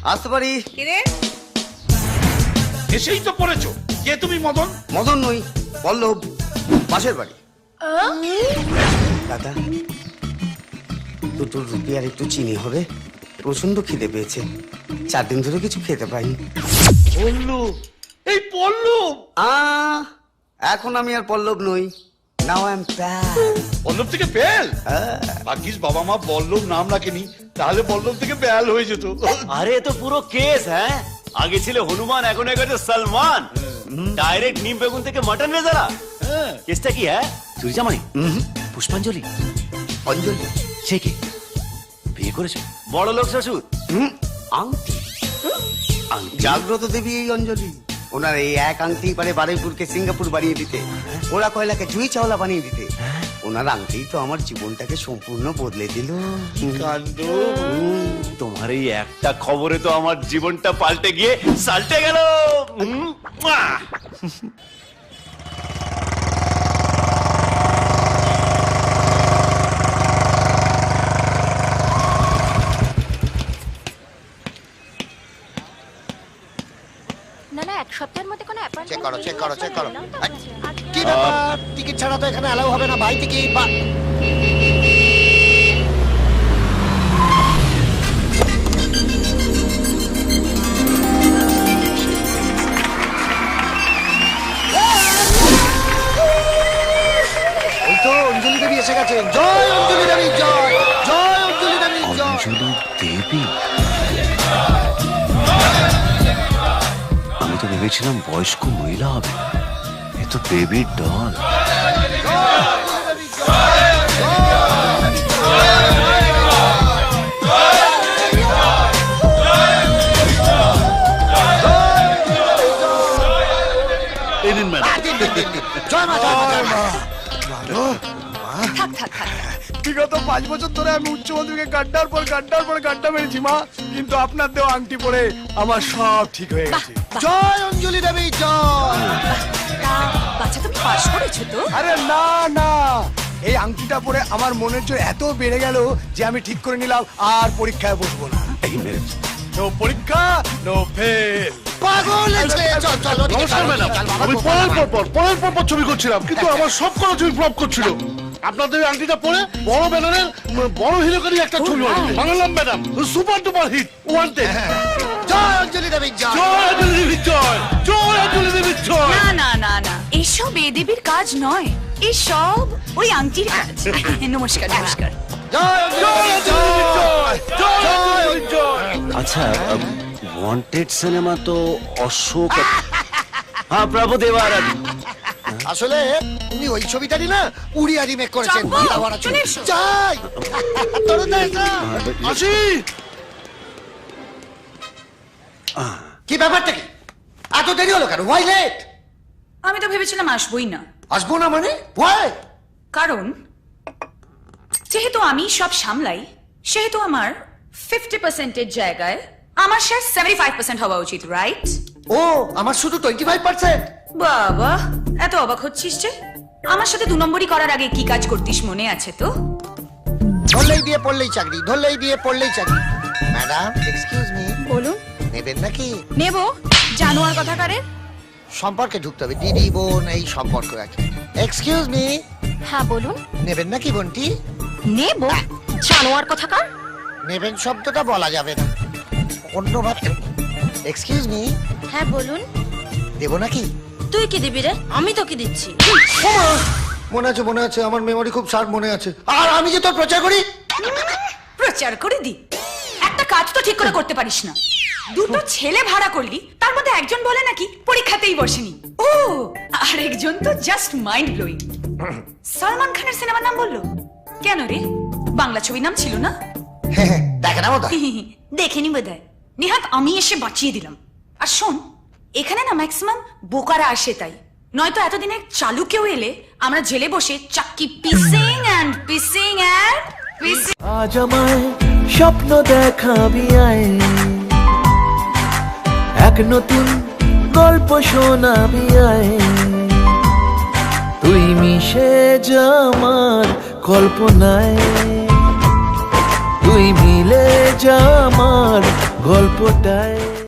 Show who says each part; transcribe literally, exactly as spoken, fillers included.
Speaker 1: আসতে পারি?
Speaker 2: কিরে
Speaker 3: এসেই তো পড়েছো। কে তুমি? মদন?
Speaker 1: মদন নই, পল্লব, পাশের বাড়ি। দাদা, দুটো রুটি আর একটু চিনি হবে? প্রচন্ড খিদে পেয়েছে, চার দিন ধরে কিছু খেতে পাইনি।
Speaker 3: পল্লব, এই পল্লব।
Speaker 1: আহ, এখন আমি আর পল্লব নই। Now I am pal.
Speaker 3: Pallab থেকে বেল? ভাগ্যিস বাবা মা পল্লব নাম রাখেনি, তাহলে পল্লব থেকে বেল হয়ে যেত।
Speaker 4: আরে তো পুরো কেস। হ্যাঁ, আগে ছিল হনুমান, এখন হয়ে গেছে সালমান। ডাইরেক্ট নিম বেগুন থেকে মাটন রেজারা। কেসটা কি? হ্যাঁ, চুরি জামাই, পুষ্পাঞ্জলি,
Speaker 1: অঞ্জলি,
Speaker 4: সে কি বিয়ে করেছে? বড় লোক শ্বশুর।
Speaker 1: হুম, আংটি। জাগ্রত দেবী এই অঞ্জলি। ওনার এই এক আংটি পারে বারুইপুরকে সিঙ্গাপুর বানিয়ে দিতে, ওরা কয়লাকে জুই চাওলা বানিয়ে দিতে। ওনার আংটি তো আমার জীবনটাকে সম্পূর্ণ বদলে দিল।
Speaker 3: কাণ্ড।
Speaker 4: তোমার এই একটা খবরে তো আমার জীবনটা পাল্টে গিয়ে সাল্টে গেল। উম, মুয়া।
Speaker 5: না না এক সপ্তাহের মধ্যে কোনো অ্যাপয়েন্টমেন্ট
Speaker 6: চেক করো, চেক করো, চেক করো।
Speaker 5: আজকে
Speaker 6: কি ব্যাপার? টিকিট ছাড়া তো এখানে অ্যালাউ হবে না ভাই। টিকিট বা ওই তো অঞ্জলি দেবী এসে গেছে। জয় অঞ্জলি দেবী, জয় জয় অঞ্জলি দেবী, জয়।
Speaker 4: অঞ্জলি দেবী? আমি তো ভেবেছিলাম বয়স্ক মহিলা হবে। এ তো বেবির ডল।
Speaker 6: জয় মা, জয় মা, জয় মা।
Speaker 2: থাক থাক থাক
Speaker 7: বিগত পাঁচ বছর ধরে আমি উচ্চ মাধ্যমিকে গাড্ডার পর গাড্ডার পর গাড্ডা মেরেছি মা, কিন্তু আপনার দেওয়া আংটি পরে আমার সব ঠিক হয়ে গেছে।
Speaker 6: জয় অঞ্জলি দেবী, জয়।
Speaker 2: তা বাচ্চা তুমি পাস করেছো তো?
Speaker 7: আরে না না, এই আংটিটা পরে আমার মনের জোর এত বেড়ে গেল যে আমি ঠিক করে নিলাম আর পরীক্ষায় বসবো না।
Speaker 4: এই মেরেছে।
Speaker 7: নো পরীক্ষা নো ফেল।
Speaker 6: পাগল ছেলে, চল চল ওদিকে
Speaker 3: নমস্কার
Speaker 6: চল,
Speaker 3: ম্যাডাম,
Speaker 6: চল, বাবা,
Speaker 3: আমি
Speaker 6: চল,
Speaker 3: পরের
Speaker 6: বাবা।
Speaker 3: পর পর পরের পর পর ছবি করছিলাম, কিন্তু আমার সব করা ছবি ফ্লপ করছিল। আপনাদের এই আংটিটা পরে বড় ব্যানারের বড় হিরোকারই একটা ছবি বানালাম madam. Super duper hit, wanted.
Speaker 6: জয় অঞ্জলি দেবী, জয়।
Speaker 3: জয় অঞ্জলি দেবী, জয় জয় অঞ্জলি দেবী, জয়।
Speaker 2: না না না না, এসব এ দেবীর কাজ নয়, এসব ওই আংটির কাজ। নমস্কার নমস্কার।
Speaker 6: জয় অঞ্জলি দেবী, জয় জয় জয়।
Speaker 4: আচ্ছা, ওয়ান্টেড সিনেমা তো অশোক। হ্যাঁ, প্রভু দেবারাজ।
Speaker 6: আসলে উনি ওই ছবিটারই না উড়িয়া রিমেক করেছেন।
Speaker 2: চম্পা,
Speaker 6: বাংলা
Speaker 2: চলে
Speaker 6: ছবি।
Speaker 2: এসো।
Speaker 6: জয় তরুণ দা এসো।
Speaker 3: আসি।
Speaker 6: কি ব্যাপারটা কি? এত দেরি হলো কেন? Why late?
Speaker 2: আমি তো ভেবেছিলাম আসবোই না,
Speaker 6: আসবো না মানে? ওয়াই?
Speaker 2: কারণ যেহেতু আমি সব সামলাই, সেহেতু আমার ফিফটি পার্সেন্টের জায়গায় আমার শেয়ার সেভেন্টি ফাইভ পার্সেন্ট হওয়া উচিত, রাইট?
Speaker 6: ও, আমার শুধু টোয়েন্টি ফাইভ পার্সেন্ট?
Speaker 2: বাবা, এত অবাক হচ্ছিস যে? আমার সাথে দু নম্বরই করার আগে কি কাজ করতিস মনে আছে তো?
Speaker 6: ধরলেই বিয়ে পড়লেই চাকরি, ধরলেই বিয়ে পড়লেই চাকরি। ম্যাডাম এক্সকিউজ মি,
Speaker 2: বলুন।
Speaker 6: নেবেন নাকি?
Speaker 2: নেব, জানোয়ার কথা কারে?
Speaker 6: সম্পর্কে ঢুকতে হবে, দিদি বোন এই সম্পর্ক আছে। এক্সকিউজ মি,
Speaker 5: হ্যাঁ বলুন।
Speaker 6: নেবেন নাকি বোনটি?
Speaker 5: নেব, জানোয়ার কথা কার?
Speaker 6: নেবেন শব্দটা বলা যাবে না, অন্য ভাবে। এক্সকিউজ মি,
Speaker 5: হ্যাঁ বলুন।
Speaker 6: দেবো নাকি?
Speaker 5: তুই কি দিবি রে? আমি তো কি দিচ্ছি।
Speaker 6: মনে আছে মনে আছে, আমার মেমোরি খুব শার্প মনে আছে। আর আমি যে তোর প্রচার করি।
Speaker 2: প্রচার করে দি, একটা কাজ তো ঠিক করে করতে পারিস না। দুটো ছেলে ভাড়া করলি, তার মধ্যে একজন বলে নাকি পরীক্ষাতেই বসেনি। ও, আর একজন তো জাস্ট মাইন্ড ব্লোয়িং। সালমান খানের সিনেমার নাম বললো কেন রে? বাংলা ছবির নাম ছিল না?
Speaker 6: দেখে না বোধ
Speaker 2: দেখেনি বোধহয়। নিহাত আমি এসে বাঁচিয়ে দিলাম। আর শোন, এখানে না ম্যাক্সিমাম বোকারা আসে, তাই নয়তো এতদিনে চালু কেউ এলে আমরা জেলে বসে চাক্কি পিসিং এন্ড পিসিং এন্ড পিসিং।
Speaker 8: আজ আমায় স্বপ্ন দেখাবি আয়, এক নতুন গল্প শোনাবি আয়, তুই মিশে যা আমার কল্পনায়, তুই মিলে যা আমার গল্পটায়